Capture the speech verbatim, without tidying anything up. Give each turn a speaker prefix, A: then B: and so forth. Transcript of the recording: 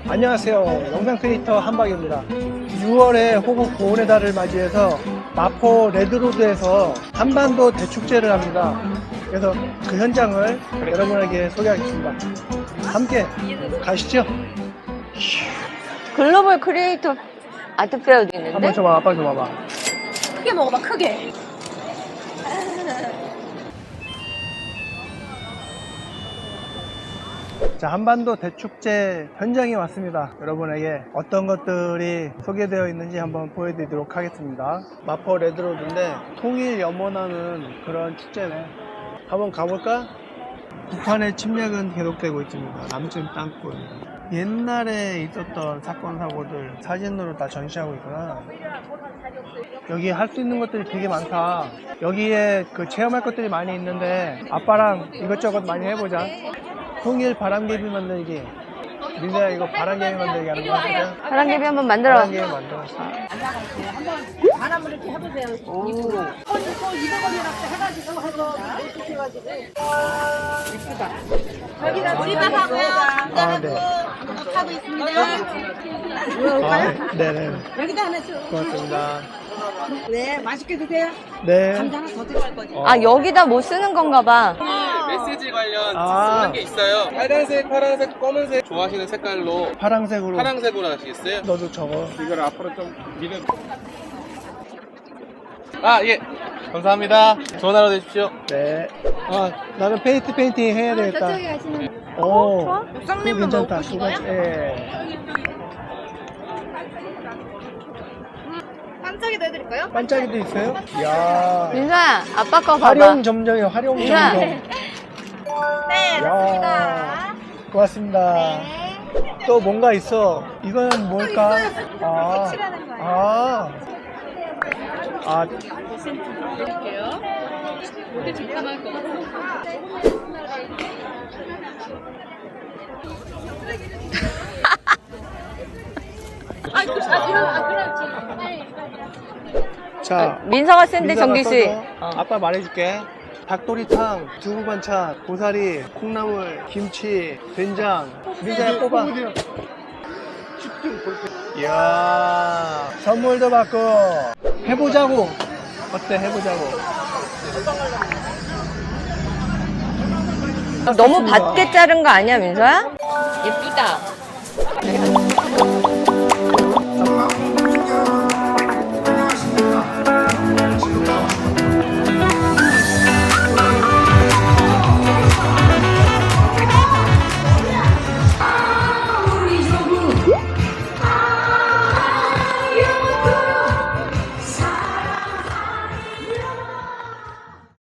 A: 안녕하세요. 영상 크리에이터 한박입니다. 유월에 호국 보훈의 달을 맞이해서 마포 레드로드에서 한반도 대축제를 합니다. 그래서 그 현장을 여러분에게 소개하겠습니다. 함께 가시죠.
B: 글로벌 크리에이터 아트 페어도 있는데?
A: 한번 줘봐. 아빠 줘봐봐.
C: 크게 먹어봐, 크게.
A: 자, 한반도 대축제 현장에 왔습니다. 여러분에게 어떤 것들이 소개되어 있는지 한번 보여드리도록 하겠습니다. 마포 레드로드인데 통일 염원하는 그런 축제네. 한번 가볼까? 북한의 침략은 계속되고 있습니다. 남침 땅굴. 옛날에 있었던 사건 사고들 사진으로 다 전시하고 있구나. 여기 할 수 있는 것들이 되게 많다. 여기에 그 체험할 것들이 많이 있는데 아빠랑 이것저것 많이 해보자. 통일 바람개비 만들기. 민서야, 이거 바람개비 만들기 하는 거야? 그죠?
B: 바람개비 한번 만들어.
A: 바람개비 만들어.
C: 바람을 이렇게 해보세요.
A: 오.
C: 이거 이백 원이라고 해가지고 해서 이렇게 해가지고. 예쁘다. 여기다 조리밥하고
A: 아, 네.
C: 하고 있습니다.
A: 아, 네네.
C: 여기다 하나 줘.
A: 고맙습니다.
C: 네, 맛있게 드세요.
A: 네.
C: 감자 하나 더 들어갈 거지.
A: 어.
B: 아, 여기다 뭐 쓰는 건가 봐.
D: 메시지 관련
A: 아.
D: 쓰는 게 있어요. 빨간색, 파란색, 검은색 좋아하시는 색깔로
A: 파랑색으로.
D: 파란색으로 하시겠어요?
A: 너도 적어.
D: 이걸 앞으로 좀 밀어. 아, 예. 감사합니다. 좋은 하루 되십시오.
A: 네. 아, 나는 페인트 페인팅 해야 되겠다.
C: 저쪽에 가시는.
A: 오,
C: 옥상님은
A: 괜찮다.
C: 먹고
A: 두 가지. 예.
C: 반짝이도 해드릴까요?
A: 반짝이도 있어요? 이야.
B: 민서야, 아빠 거 봐봐.
A: 활용 점정이요, 활용
B: 민서야.
A: 점정.
C: 네,
A: 야. 고맙습니다. 또 뭔가 있어. 이건 뭘까? 아,
C: 칠하는 거예요.
A: 아, 아, 자,
B: 민서가 쓴데,
A: 민서가
B: 정기 씨.
A: 써줘.
B: 어.
A: 아빠 말해줄게. 닭도리탕, 두부 반찬, 고사리, 콩나물, 김치, 된장. 민서야 뽑아. 이야, 선물도 받고. 해보자고. 어때, 해보자고.
B: 너무 받게 자른 거 아니야, 민서야? 예쁘다.